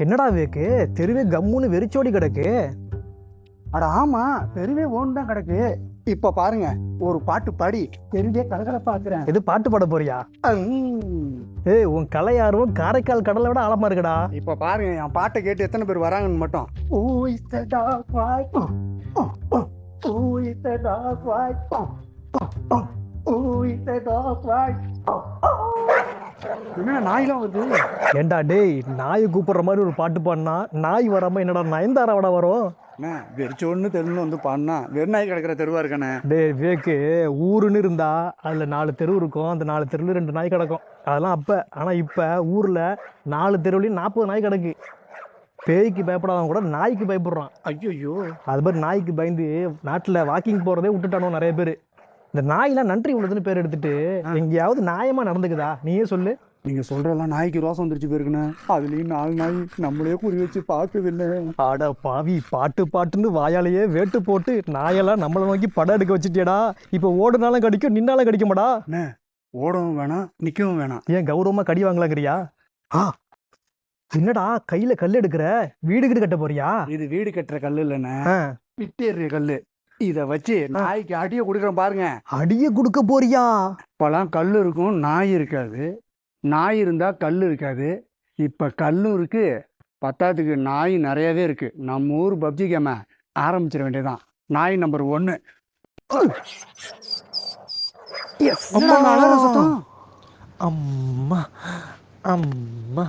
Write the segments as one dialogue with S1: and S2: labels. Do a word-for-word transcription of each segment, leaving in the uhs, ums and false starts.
S1: என்னடா வேக்கு தெருவே கம்முன்னு வெறிச்சோடி கிடக்கு.
S2: அட ஆமா, தெருவே ஓன் தான் கிடக்கு. இப்ப பாருங்க, ஒரு பாட்டு பாடி தெருவே கலகலப்பாக்குறேன்.
S1: இது பாட்டு பாட போறியா? ஏய், உன் கலை ஆர்வம் காரைக்கால் கடலை விட ஆழமா இருக்குடா.
S2: இப்ப பாருங்க, என் பாட்டை கேட்டு எத்தனை பேர் வராங்கன்னு மட்டும். Who is the dog fight? Who is the dog fight? Who is the dog fight? என்ன நாயெல்லாம் வருது?
S1: ஏண்டா டேய், நாயை கூப்பிடுற மாதிரி ஒரு பாட்டு பாடினா நாய் வராம என்னடா நயன்தாராவோட வரும்?
S2: வெறிச்சோன்னு தெருன்னு வந்து பாடினா வெறுநாய் கிடக்கிற தெருவா இருக்கானே.
S1: டேய் வேக்கு, ஊருன்னு இருந்தா அதுல நாலு தெரு இருக்கும். அந்த நாலு தெருவில் ரெண்டு நாய் கிடக்கும். அதெல்லாம் அப்ப. ஆனா இப்ப ஊர்ல நாலு தெருவுலையும் நாற்பது நாய் கிடக்கு. பேய்க்கு பயப்படாதவங்க கூட நாய்க்கு பயப்படுறான்.
S2: ஐயோ,
S1: அது மாதிரி நாய்க்கு பயந்து நாட்டுல வாக்கிங் போறதே விட்டுட்டானோ நிறைய பேர். இந்த நாயெல்லாம் நன்றி உள்ளதுன்னு பேர் எடுத்துட்டு எங்கேயாவது நியாயமா நடந்துக்குதா? நீயே சொல்லு.
S2: நீங்க சொல்றதெல்லாம் நாய்க்கு ரோசம் வந்துருச்சு போயிருக்குண்ணே. அதுலயும் நாலு நாய் நம்மளே குறி வச்சு பார்க்குதில்லை.
S1: ஆட பாவி, பாட்டு பாட்டுன்னு வாயாலேயே வேட்டு போட்டு நாயெல்லாம் நம்மளை நோக்கி படம் எடுக்க வச்சுட்டியடா. இப்ப ஓடுனாலும் கடிக்கும், நின்னாலும் கடிக்குமாடா?
S2: ஓடவும் வேணாம், நிக்கவும் வேணாம்.
S1: ஏன் கௌரவமா கடி வாங்கலாங்கிறியா? ஆ என்னடா கையில கல் எடுக்கிற? வீடு வீடு கட்ட போறியா?
S2: இது வீடு கட்டுற கல்லு இல்லைண்ணே, விட்டேறிய கல்லு. இத வச்சு நாய்க்கு அடிய குடுக்கறோம் பாருங்க.
S1: அடிய குடுக்க போறியா?
S2: இப்பெல்லாம் கல் இருக்கும், நாய் இருக்காது. நாய் இருந்தா கல் இருக்காது. இப்ப கல்லும் இருக்கு, பத்தாத்துக்கு நாய் நிறையவே இருக்கு. நம்ம ஊர் பப்ஜி கேம ஆரம்பிச்சிட வேண்டியதான். நாய் நம்பர் ஒன்னு.
S1: அம்மா அம்மா,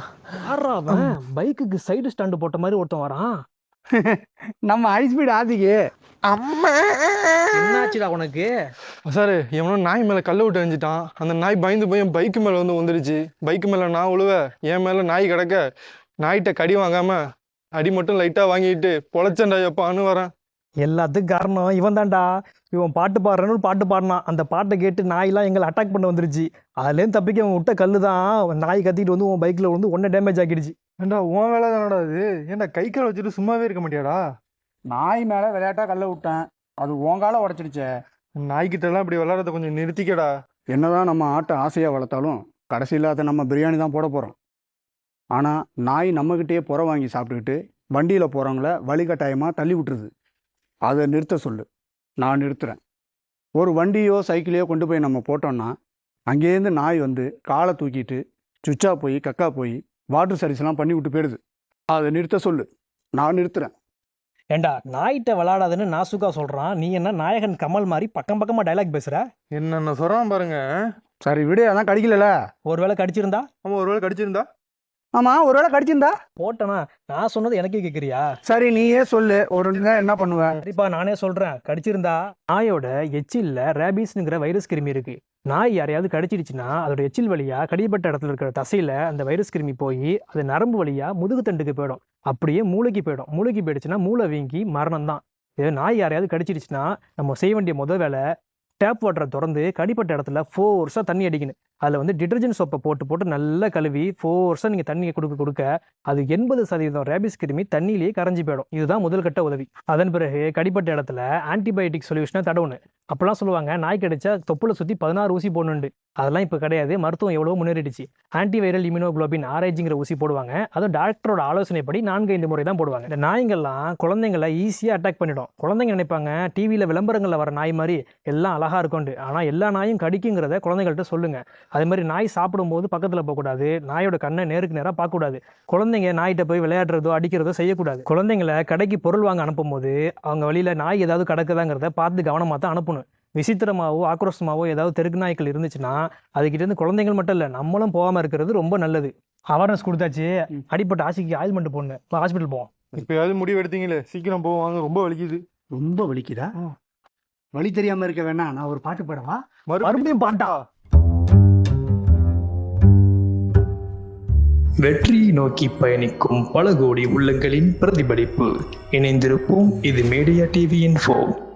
S1: பைக்குக்கு சைடு ஸ்டாண்டு போட்ட மாதிரி ஒருத்தன் வரான்.
S2: நம்ம ஹை ஸ்பீட் ஆதிக்கு.
S1: அம்மா, என்னாச்சுடா உனக்கு?
S3: சார், எவனோ நாய் மேலே கல்லை விட்டு எரிஞ்சிட்டான். அந்த நாய் பயந்து போய் என் பைக்கு மேலே வந்து வந்துடுச்சு. பைக்கு மேலே நான் உழுவ, என் மேலே நாய் கிடக்க. நாய்கிட்ட கடி வாங்காம அடி மட்டும் லைட்டாக வாங்கிட்டு பொழைச்சண்டா எப்பான்னு வரேன்.
S1: எல்லாத்துக்கும் காரணம் இவன் தான்டா. இவன் பாட்டு பாடுறேன்னு ஒரு பாட்டு பாடினான். அந்த பாட்டை கேட்டு நாயெல்லாம் எங்களை அட்டாக் பண்ண வந்துருச்சு. அதுலேருந்து தப்பிக்க அவன் விட்ட கல்லு தான் நாய் கத்திட்டு வந்து உன் பைக்கில் வந்து ஒன்றை டேமேஜ் ஆக்கிடுச்சு.
S3: ஏண்டா உன் வேலை தானடா அது? ஏன்டா கை கால் வச்சுட்டு சும்மாவே இருக்க மாட்டியாடா?
S2: நாய் மேலே விளையாட்டா கல்லை விட்டேன், அது உங்கால உடச்சிடுச்சே.
S3: நாய்கிட்டலாம் இப்படி விளையாடுறத கொஞ்சம் நிறுத்திக்கடா.
S2: என்னதான் நம்ம ஆட்டை ஆசையாக வளர்த்தாலும் கடைசியில் அதை நம்ம பிரியாணி தான் போட போகிறோம். ஆனால் நாய் நம்மக்கிட்டேயே புற வாங்கி சாப்பிட்டுக்கிட்டு வண்டியில் போகிறவங்கள வழிகட்டாயமாக தள்ளி விட்டுருது. அதை நிறுத்த சொல்லு, நான் நிறுத்துகிறேன். ஒரு வண்டியோ சைக்கிளையோ கொண்டு போய் நம்ம போட்டோம்னா அங்கேருந்து நாய் வந்து காலை தூக்கிட்டு சுச்சா போய் கக்கா போய் வாட்டர் சர்வீஸ்லாம் பண்ணி விட்டு போயிடுது. அதை நிறுத்த சொல்லு, நான் நிறுத்துகிறேன்.
S1: ஏண்டா, நாய்கிட்ட விளையாடாதுன்னு நாசுக்கா சொல்கிறான். நீ என்ன நாயகன் கமல் மாதிரி பக்கம் பக்கமாக டைலாக் பேசுகிற?
S3: என்னென்ன சொல்கிறான் பாருங்க.
S2: சரி விடு, அதான் கடிக்கல.
S1: ஒரு வேளை கடிச்சிருந்தா?
S3: ஆமாம், ஒரு வேளை கடிச்சிருந்தா?
S2: ஆமாம், ஒரு வேளை கடிச்சிருந்தா
S1: போட்டனா? நான் சொன்னது எனக்கே கேட்குறியா?
S2: சரி நீயே சொல்லு, ஒரு என்ன பண்ணுவேன்?
S1: சரிப்பா, நானே சொல்கிறேன். கடிச்சிருந்தா, நாயோட எச்சில்ல ரேபீஸ்ங்கிற வைரஸ் கிருமி இருக்கு. நாய் யாரையாவது கடிச்சிடுச்சுன்னா அதோட எச்சில் வழியா கடிப்பட்ட இடத்துல இருக்கிற தசையில அந்த வைரஸ் கிருமி போய் அது நரம்பு வழியா முதுகு தண்டுக்கு போயிடும். அப்படியே மூளைக்கு போயிடும். மூளைக்கு போயிடுச்சுன்னா மூளை வீங்கி மரணம் தான். இது நாய் யாரையாவது கடிச்சிடுச்சுன்னா நம்ம செய்ய வேண்டிய முதல் வேலை, டேப் வாட்டரை திறந்து கடிப்பட்ட இடத்துல ஃபோர்ஸாக தண்ணி அடிக்கணும். அதில் வந்து டிட்டர்ஜென்ட் சோப்பை போட்டு போட்டு நல்லா கழுவி ஃபோர்ஸாக நீங்கள் தண்ணியை கொடுக்க கொடுக்க அது எண்பது சதவீதம் ரேபிஸ் கிருமி தண்ணியிலேயே கரைஞ்சி போயிடும். இதுதான் முதல் கட்ட உதவி. அதன் பிறகு கடிப்பட்ட இடத்துல ஆன்டிபயோட்டிக் சொல்யூஷனை தடவுன்னு. அப்பெல்லாம் சொல்லுவாங்க, நாய் கடிச்சா தொப்புளை சுற்றி பதினாறு ஊசி போடணுண்டு. அதெல்லாம் இப்போ கிடையாது. மருத்துவம் எவ்வளோ முன்னேறிடுச்சு. ஆன்டிவைரல் இம்யூனோகுளோபின் ஆர்ஐஜிங்கிற ஊசி போடுவாங்க. அதுவும் டாக்டரோட ஆலோசனைப்படி நான்கு ஐந்து முறை தான் போடுவாங்க. இந்த நாய்கள்லாம் குழந்தைங்களை ஈஸியாக அட்டாக் பண்ணிடும். குழந்தைங்க நினைப்பாங்க டிவியில் விளம்பரங்களில் வர நாய் மாதிரி எல்லாம் அழகா இருக்கும்ண்டு. ஆனால் எல்லா நாயும் கடிக்குங்கிறத குழந்தைகள்கிட்ட சொல்லுங்க. அதே மாதிரி நாய் சாப்பிடும்போது பக்கத்தில் போகக்கூடாது. நாயோட கண்ணை நேருக்கு நேராக பார்க்கக்கூடாது. குழந்தைங்க நாய்கிட்ட போய் விளையாடுறதோ அடிக்கிறதோ செய்யக்கூடாது. குழந்தைங்களை கடைக்கு பொருள் வாங்க அனுப்பும் போது அவங்க வழியில் நாய் ஏதாவது கிடக்குதாங்கிறத பார்த்து கவனமாக தான் அனுப்பணும். விசித்திரமாவோ ஆக்ரோஷமாவோ ஏதாவது தெருக்கு நாய்க்கள் இருந்துச்சுன்னா அதுக்கிட்ட இருந்து குழந்தைகள் மட்டும் இல்லை, நம்மளும் போகாமல் இருக்கிறது ரொம்ப நல்லது. அவேர்னஸ் கொடுத்தாச்சு. அடிப்பட்ட ஆசைக்கு ஆயில்மெண்ட் போடணும். இப்போ ஹாஸ்பிட்டல் போவோம்.
S3: இப்போ ஏதாவது முடிவு எடுத்தீங்களே, சீக்கிரம் போவாங்க. ரொம்ப வலிக்குது.
S2: ரொம்ப வலிக்குதா? வலி தெரியாம இருக்க வேணாம், நான் ஒரு பாட்டு பாடவா?
S1: மறுபடியும் பாட்டா?
S4: வெற்றியை நோக்கி பயணிக்கும் பல கோடி உள்ளங்களின் பிரதிபலிப்பு. இணைந்திருப்போம். இது மீடியா டிவி இன்ஃபோ.